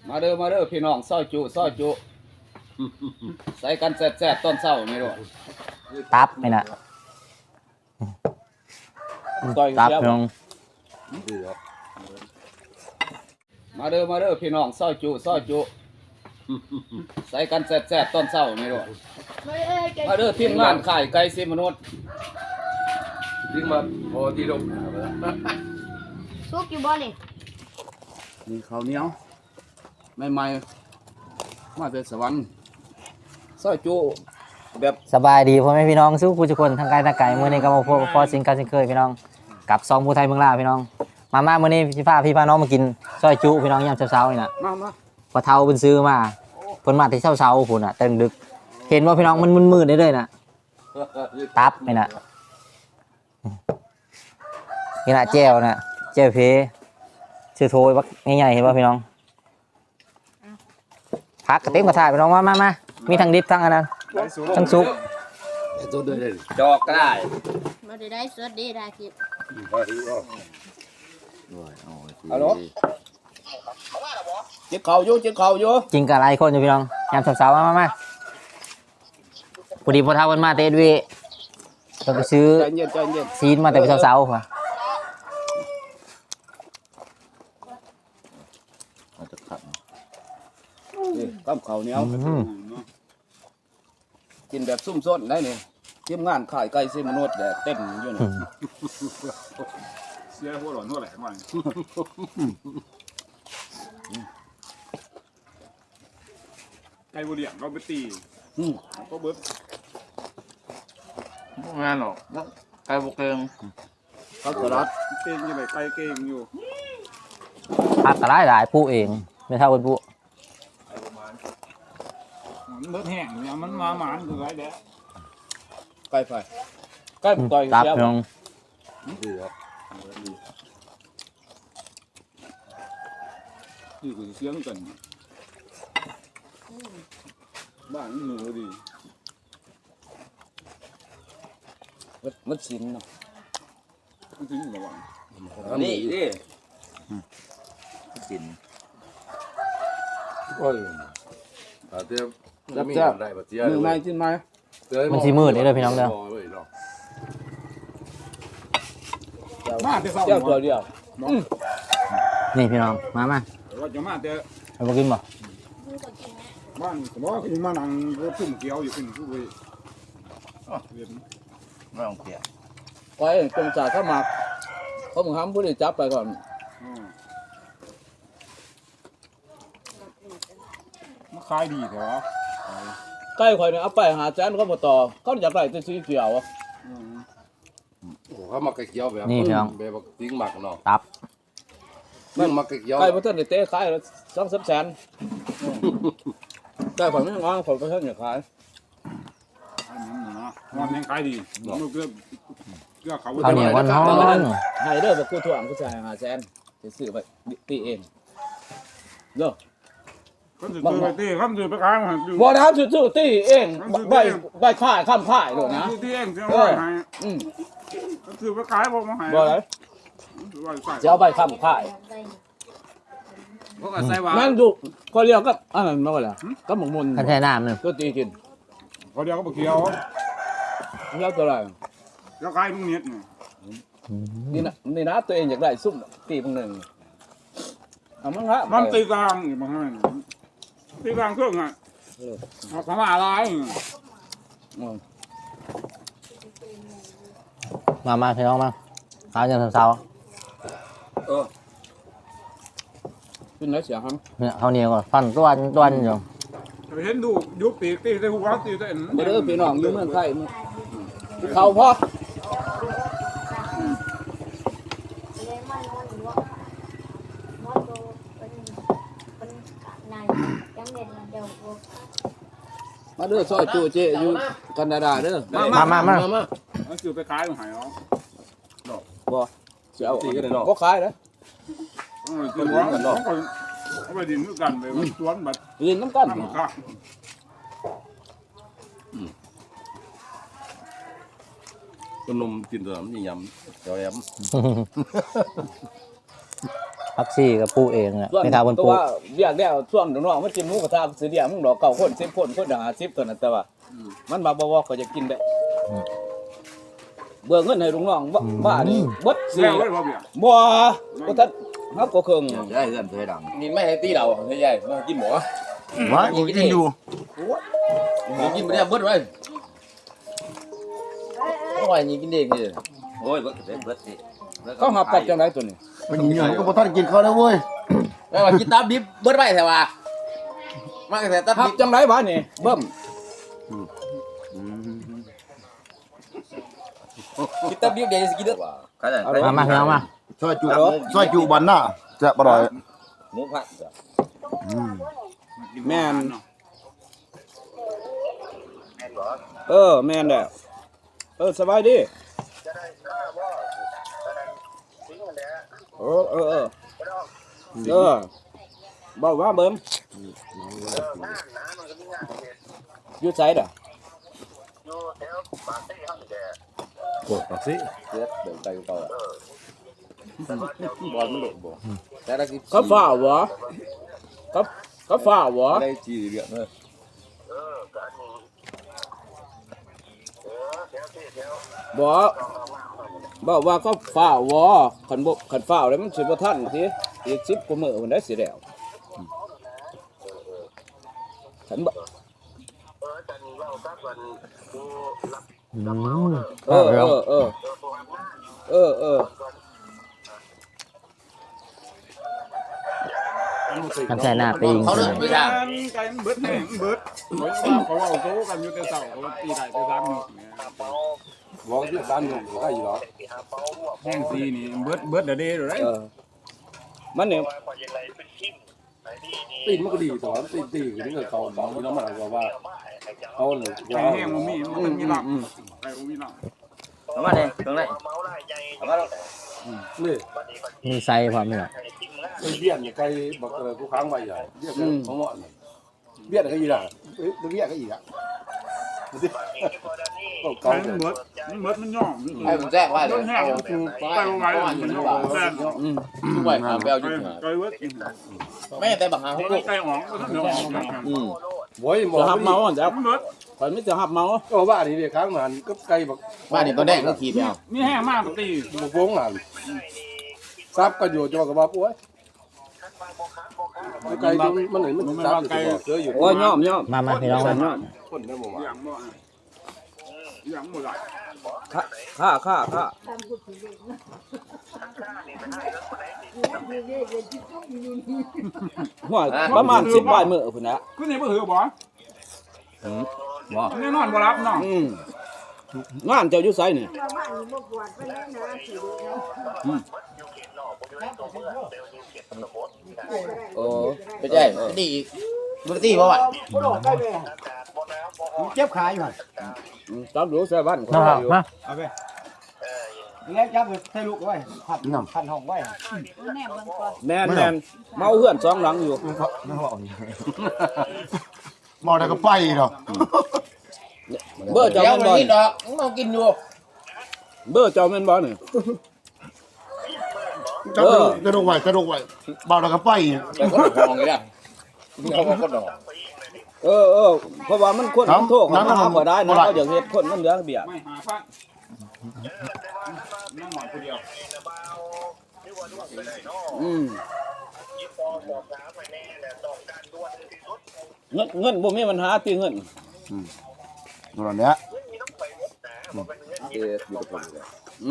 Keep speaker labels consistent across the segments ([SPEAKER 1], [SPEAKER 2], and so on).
[SPEAKER 1] มาเด้อพี่น้องซอยจุใส่กันแซ่บๆต้นเช้านี่ด้วย
[SPEAKER 2] ตับไม่น่ะ
[SPEAKER 1] ซอย
[SPEAKER 2] ตับ
[SPEAKER 1] เชียว
[SPEAKER 2] พี่น้อง
[SPEAKER 1] มาเด้อพี่น้องซอยจุใส่กันแซ่บๆต้นเช้านี่ด้วยมาเด้อทีมงานขายไก่สิมนุษย์
[SPEAKER 3] ทิ้งมาพอที่ลง
[SPEAKER 4] ซุกอยู่บ่นี่
[SPEAKER 1] นี่ข้าวเหนียวใหม่ๆมาจากสวรรค์ซอยจุแบบ
[SPEAKER 2] สบายดีพ่อแม่พี่น้องสู้ผู้ทุกคนทางกายทางไก่มื้อนี้ก็มาพอสิ่งการสิ่งเคยพี่น้องกับซองผู้ไทยเมืองลาวพี่น้องมามื้อนี้พี่พาน้องมากินซอยจุพี่น้องยามเช้าๆนี่น่ะ
[SPEAKER 1] มา
[SPEAKER 2] พอเฒ่าเพิ่นซื้อมาเพิ่นมาแต่เช้าๆพุ่นน่ะแต่ดึกเห็นว่าพี่น้องมันมืดๆได้ๆน่ะตับไม่น่ะนี่น่ะแจ่วน่ะแจ่วเพชื่อโทยบักใหญ่ๆเห็นป่ะพี่น้องพักกระเต็มกระถายพี่น้องมามีทั้งดิบทั้งอันนั้นทั้งซุป
[SPEAKER 3] ตัวเดินเลย
[SPEAKER 1] จอกก็ได้
[SPEAKER 4] บ่ได้สวัสดีได้คิด
[SPEAKER 1] ฮัลโหลเจ็บเข่าอยู่
[SPEAKER 2] กินกับหลายคนอยู่พี่น้องยามเช้าๆมาพอดีพอเท่ากันมาเตดวีต้องไปซื้อ
[SPEAKER 1] ใจเย็น
[SPEAKER 2] ซีนมาแต่เช้าๆค่ะ
[SPEAKER 3] อาจจะขัด
[SPEAKER 1] นี่กับข้าวเหนียวกินแบบซุ่มซ่นได้นี่ทีมงานขายไก่สิมนุษย์แบบเต็มอยู่นี่
[SPEAKER 5] เสียหัวหลอนหัวแหลมมันไก่บุเรียงเราไปตีก็เบิร์ดพวกงานหรอกไก่บุกเกง
[SPEAKER 1] ข้าวสลัด
[SPEAKER 5] เก่งอยู่ไหนไก่เก่งอยู่
[SPEAKER 2] พักกระไรหลายผู้เองไม่เท่ากันผู้
[SPEAKER 5] มันเบิร์ดแห้งเนี่ยมันมาหมานคือไรเด้
[SPEAKER 1] ไก่ไฟไก่ต่อย
[SPEAKER 2] ตับ
[SPEAKER 1] เสีย
[SPEAKER 2] พี่น้อง
[SPEAKER 3] ดีครับ
[SPEAKER 5] นี่คือเสียงกันบ้านหนูดี
[SPEAKER 1] มันสินเนาะ
[SPEAKER 5] มันถึงระวัง
[SPEAKER 1] นี่
[SPEAKER 3] กินโอ้ยแต่เตี้ยมีอะไรแบบเตี้ย
[SPEAKER 1] มือไม้จิ้นไม้
[SPEAKER 2] มันสีมืดนี่เลยพี่น้องเด้อ
[SPEAKER 5] มาแต่เศร้า
[SPEAKER 1] เจ้าตัวเดียว
[SPEAKER 2] นี่พี่น้องมา
[SPEAKER 5] ว่าจะมาแต่
[SPEAKER 2] เอามากินบ่
[SPEAKER 5] บ้านสมมติว่าคุณมานั่งรถตุ่มเกียวอยู่ขึ้นผู้บริเรียน
[SPEAKER 3] ไม่ต้องเตี้ย
[SPEAKER 1] ไว้จงจ่าเข้ามาเขามึงห้ามผู้ใดจับไปก่อน
[SPEAKER 5] มาขายดีเถอะ
[SPEAKER 1] ไก่ข่อยเนี่ยเอาไปหาแสนเขาบ่ต่อเขาอยากได้แต่สีเขียวอะ
[SPEAKER 3] เขามาเกี่ยวแบบแบบทิ้งหมักเนาะ
[SPEAKER 2] ตับ
[SPEAKER 3] นั่งมาเกี่ยว
[SPEAKER 1] ไก่บ่ทันได้เตะขาย2-3แสนไก่ข่อยไม่งอข่อยบ่ทันอยากขาย
[SPEAKER 5] อันนั้นนะวันนี้ขายดีมันเกือบเขา
[SPEAKER 2] ข้าวเหนียววันฮ้อน
[SPEAKER 1] ให้เด้อบ่กูถ่วงกูจ่ายหาแสนสิซื้อไปตีเองเด้อ
[SPEAKER 5] ก็จะซื้อไปตีข้ามซื้อไปขายมาดู
[SPEAKER 1] บ่ได้ซื้อตีเองใบขายค้ำขายโดดนะ
[SPEAKER 5] ซื้อที่เองจะเอาไปให้
[SPEAKER 1] อืม
[SPEAKER 5] ก็ซื้อไปขายบอกมาให้
[SPEAKER 1] บ่ได้จะเอาใบค้ำขาย
[SPEAKER 3] พวกอาศัยว่า
[SPEAKER 1] นั่นดูก็เรียกกับอันนั้นมาบ่ล่ะกับหมกมุน
[SPEAKER 2] ขันแช่น้ำนึง
[SPEAKER 1] ก็ตีกิน
[SPEAKER 5] เขาเดียวก็บอกเกี่ยว
[SPEAKER 1] แล้วตัวอะไร
[SPEAKER 5] แล้วขายมึงเน็ตเนี่ย
[SPEAKER 1] นี่นะตัวเองอยากได้ซุ่มตีมึงหนึ่งเอามั้งฮะ
[SPEAKER 5] มันตีกลางอยู่มาให้ตีกลางเครื่องอ่ะเอาคำว่าอะไร
[SPEAKER 2] มาพี่น้องมาข้าวยามเช้า
[SPEAKER 1] ขึ้นไหนเสียครับ
[SPEAKER 2] ๆเนี่ยข้าวเหนียวก่อนฟันต้วนอยู่
[SPEAKER 5] เห็นดูยุบตีตีได้หัวตีได้
[SPEAKER 1] ไปเด้อพี่น้องอยู่เมืองไทยเขาพ่อ
[SPEAKER 4] เลยมานอนอยู่ว่านอนดูเป็นนายยังเด็ดเดี๋ยว
[SPEAKER 1] มาเด้อซอยจูเจอยู่แคนาดาเด้อ
[SPEAKER 2] มา
[SPEAKER 5] มันซื้อไปขายมาให้เนาะ
[SPEAKER 1] บ่เสีย
[SPEAKER 3] ตีกันเลยเนาะ
[SPEAKER 1] บ่ขายนะ
[SPEAKER 5] คือว่าเขาไปดินด้วยกันไปมันสวนบัด
[SPEAKER 1] เรียนน้ำกัน
[SPEAKER 5] น้ำข้า
[SPEAKER 3] ขนมกินตัวมันยำเจ้าแอม
[SPEAKER 2] พักซี่กับปูเองอ่ะ
[SPEAKER 1] ส่วน
[SPEAKER 2] ไม่ทาบน
[SPEAKER 1] ตัว
[SPEAKER 2] ปู
[SPEAKER 1] ว่าเรียกแล้วช่วงน้องๆมันกินหมูกระทะสิเดียวมึงดอก9คน10คนคน50ตัวนั้นแต่ว่ามันมาบ่ก็จะกินได้เบื่อเงินให้ลุงน้องบ้านี่เบิดสิ
[SPEAKER 5] แล้วไว้บ่เบี้ย
[SPEAKER 1] บ่บ่ทันเฮาก็เครื่อง
[SPEAKER 3] ได้เงินเคยดัง
[SPEAKER 6] นี่ไม่ให้ตีเราใหญ่ๆมากินหมู
[SPEAKER 5] ว่ากูกินอยู่
[SPEAKER 6] หมูกินไม่ได้เบิดไว้ไม่ไหวนี่กินเด็กนี่
[SPEAKER 3] โอ้ยเบิดเบิดนี่
[SPEAKER 1] เขาหับกับจังไดตัวนี้
[SPEAKER 5] มันเหนื่อยก็บ่ทันกินข้าวแล้วเว้ย
[SPEAKER 6] แล้วว่ากินตับดิบเบิดไว้แต่ว่ามาแต่ตับ
[SPEAKER 1] หับ
[SPEAKER 6] ดิบ
[SPEAKER 1] จังไดบ้านี่เบิ่มกินตับดิบเดี๋ยวจะกินเด้อ
[SPEAKER 3] ก็ได้
[SPEAKER 2] มาพี่น้องมา
[SPEAKER 5] ซอยจุบันหน้าจะบ่ร่อย
[SPEAKER 6] หมูผัด
[SPEAKER 1] แม่นแม่นแหละสบายดีเบาว่าเบิ่มอยู่ไสเด้อ
[SPEAKER 3] กดปักสิ
[SPEAKER 6] เสือเดินไปก่อนบอลมันหลุดบ่แต่ละกิน
[SPEAKER 1] เขาฝ่าวบ่เขาฝ่าวบ่
[SPEAKER 6] ได้จีเดือดเลย
[SPEAKER 1] บ่ว่าเขาฝ่าวบ่คันฝ่าวแล้วมันสิบ่ทันสิอีก10กว่ามื้อมันได้สิแล้วคันบ่
[SPEAKER 2] ทำใส่หน้าปีง
[SPEAKER 6] เขาเลิกไม่ได้
[SPEAKER 5] ไก่มันเบิดแห้งมันเบิดเขาว่าโซกันอยู่แต่เช้าเขาตีได้แต่3มื้อเนี่ย
[SPEAKER 3] บอกที่บ้านอยู่ได้อยู่หรอ
[SPEAKER 5] แห้งซีนี่เบิดเด้อเด้อได้
[SPEAKER 1] มันเนี่ย
[SPEAKER 3] ตีนมันก็ดีแต่ว่าตีนี่ก็เขาบอกที่น้องมันบอกว่าเขาเลย
[SPEAKER 5] ไก่แห้งมันมีหลักไก่บ่มีหลัก
[SPEAKER 6] เอามาเลยตรงไหนเอามา
[SPEAKER 3] นี่
[SPEAKER 2] มีไซพร้อมไหมล่ะ
[SPEAKER 3] ไอ้เบี้ยนี่ไก่บอกกูค้างไว้ใหญ่เบี้ยเขาเหมาะเบี้ยก็อีหล่ะเบี้ยก็อีกอ่ะก็
[SPEAKER 5] ไก่มันเบิดมันย่อม
[SPEAKER 6] ให้ผมแจ้งว่า
[SPEAKER 5] มั
[SPEAKER 6] เดี๋ย
[SPEAKER 5] นแห้งมันคือไก่บ่ไหวมันย่อมแซ่บ
[SPEAKER 6] ทุกวันหาแววอยู่
[SPEAKER 5] ไก่เบิด
[SPEAKER 6] ไม่แต่บางหาเขาก็
[SPEAKER 5] ไก่หอมก็ต้องหอม
[SPEAKER 3] โว้ยหมอ
[SPEAKER 1] จะหับเมาจ้ะ
[SPEAKER 5] มันเบิด
[SPEAKER 1] ข่อยไม่จะหับเมา
[SPEAKER 3] ก็ว่านี่เดี๋ยวค้างมันก็ไก่บอก
[SPEAKER 6] บ้านนี่ตัวแดงก็ขี่ไปเอา
[SPEAKER 5] มีแห้งมากปกติ
[SPEAKER 3] บุกวงหันซับก็อยู่จังกับว่าป่วยไก่มันไหนมันซับอยู่เจออยู่
[SPEAKER 1] โอ้ยย่อม
[SPEAKER 2] มาพี่น้องมา
[SPEAKER 3] คนได้บ่
[SPEAKER 5] อย่างบ่อย่างบ่ได้
[SPEAKER 1] ค่าหัวประมาณ10ปลายมื้อพุ่นน่ะ
[SPEAKER 5] คือนี่บ่หือบ่แน่นอนบ่รับเนาะ
[SPEAKER 1] งานเจ้าอยู่ไสนี่
[SPEAKER 6] โอ้ไม่ใช่ดีบุตรีป่ะวะ
[SPEAKER 5] เจ็บขาอยู่
[SPEAKER 1] ตามดูใส่บ้าน
[SPEAKER 2] มามา
[SPEAKER 5] เอาไปแล้วจับใส่ลูกไว้พันห้องไว้
[SPEAKER 1] แม่นเมาเฮือน2หลังอยู่
[SPEAKER 5] มอได้ก็ไปเนาะ
[SPEAKER 1] เบอร์เจ้า
[SPEAKER 6] เดี๋ยว
[SPEAKER 1] แม่น
[SPEAKER 6] วัน
[SPEAKER 1] บ่
[SPEAKER 6] นี้ดอกต้องกินอยู่
[SPEAKER 1] เบอร์เจ้าแม่นบ่นี่
[SPEAKER 5] จับกระดกไว้เบาได้ก็ไป
[SPEAKER 6] แต่ก็ดอกอย่างเงี้ยเขาก็ดอก
[SPEAKER 1] เพราะว่ามันคนมันโทษเขาหาบ่ได้นะเขาอยากเฮ็ดคนมันเหลือเบี้ย
[SPEAKER 5] ไม่หาฟังน้องหมอนคนเดียว
[SPEAKER 1] เงินบ่มีปัญหาติเงิน
[SPEAKER 5] ตอนเนี้ย
[SPEAKER 6] อยู่กับผมเลย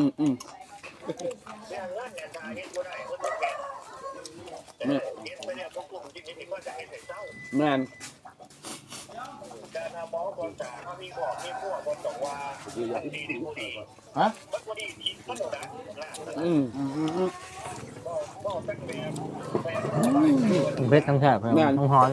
[SPEAKER 1] แม่น
[SPEAKER 5] ฮะ
[SPEAKER 2] เบ็ดทั้งแทบทั้งฮ้อน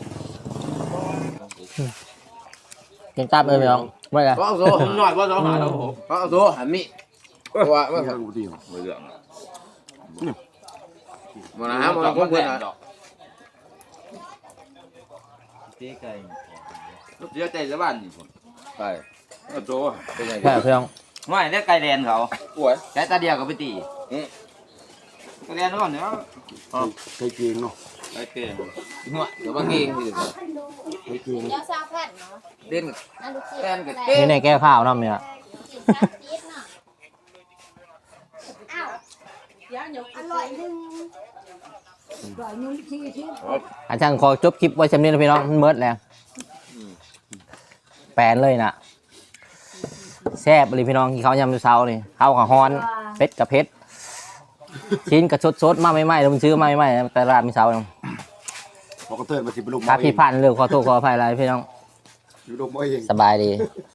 [SPEAKER 2] กินตับเลยพี่น้องไม่ละ
[SPEAKER 6] ก็เอาโซ่หน่อยว่าโซ่หาเราก็เอาโซ่หันมิว่าว่ามาหามาคนเพื่อนเสียใจสบ้านนี่ผมไปเอาโซ่เป็นไง
[SPEAKER 2] แค่พี่น้อง
[SPEAKER 7] ไม่ได้ไก่แดนเขา
[SPEAKER 6] ป่วย
[SPEAKER 7] ใช้ตาเดียวก็ไปตี
[SPEAKER 1] แกนก่อนเดี๋ยว
[SPEAKER 3] ใครเก่งเนาะ
[SPEAKER 1] ไอ้เก่งหัวเดี๋ยวบางเองพี่
[SPEAKER 3] ใครเก่ง
[SPEAKER 4] เดี๋ยวซาแพทเนาะ
[SPEAKER 1] เด่น
[SPEAKER 4] นั่นลูกศิษ
[SPEAKER 1] แก
[SPEAKER 4] ย์
[SPEAKER 1] นกับ
[SPEAKER 4] อะไร
[SPEAKER 1] เก่ง
[SPEAKER 2] นี่ในแก้วข้าวน้ำเนี่ย
[SPEAKER 4] กินซาซีดเนาะอ้าวอร่อยหนึ่ง
[SPEAKER 2] อาจารย์ขอจบคลิปไว้ชำนี้นะพี่น้องมันเมิดแล้วแปลนเลยนะแซ่บเลยพี่น้องกินข้าวยำเช้านี่ข้าวกับฮอนเป็ดกับเพชรชิ้นกับสดๆมาไม่ไหม้เราซื้อมาไม่ไหม้แต่ร้านมีเช้าเนาะ
[SPEAKER 3] พอกระเทินมาสิบลูก
[SPEAKER 2] ถ้าพี่พลาดเรื่องขอโทษขออภัยอะไรพี่น้อง
[SPEAKER 3] อยู่ลูกบ่เอง
[SPEAKER 2] สบายดี